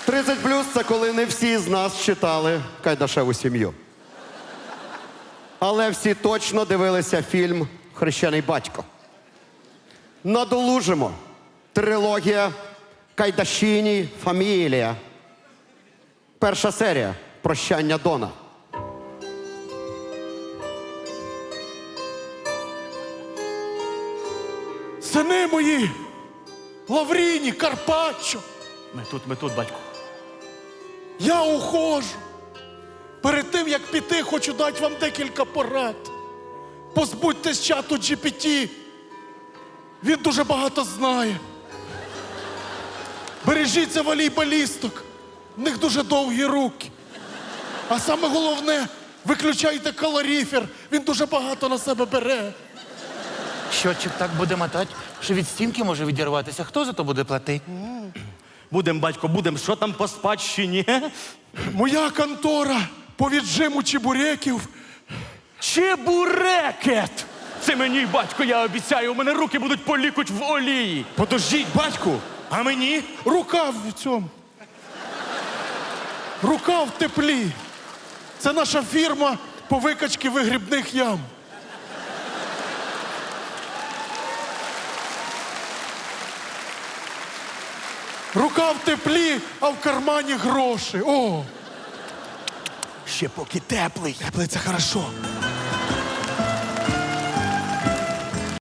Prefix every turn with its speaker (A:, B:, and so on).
A: 30+ – це коли не всі з нас читали «Кайдашеву сім'ю». Але всі точно дивилися фільм «Хрещений батько». Надолужимо. Трилогія «Кайдашіні фамілія». Перша серія «Прощання Дона».
B: Сини мої! Лавріні, Карпаччо!
C: Ми тут, батько.
B: Я ухожу. Перед тим, як піти, хочу дати вам декілька порад. Позбудьтесь чату GPT. Він дуже багато знає. Бережіться волейболісток. В них дуже довгі руки. А саме головне, виключайте калоріфер. Він дуже багато на себе бере.
D: Щотчик так буде мотати, що від стінки може відірватися. Хто за то буде платити?
C: Будем, батько, будем. Що там по спадщині?
B: Моя контора по віджиму чебуреків.
C: Чебурекет! Це мені, батько, я обіцяю, у мене руки будуть полікуть в олії.
B: Подождіть, батьку, а мені рука в цьому. Рука в теплі. Це наша фірма по викачці вигрібних ям. Рука в теплі, а в кармані гроші. О!
D: Ще поки теплий.
B: Теплий – це хорошо.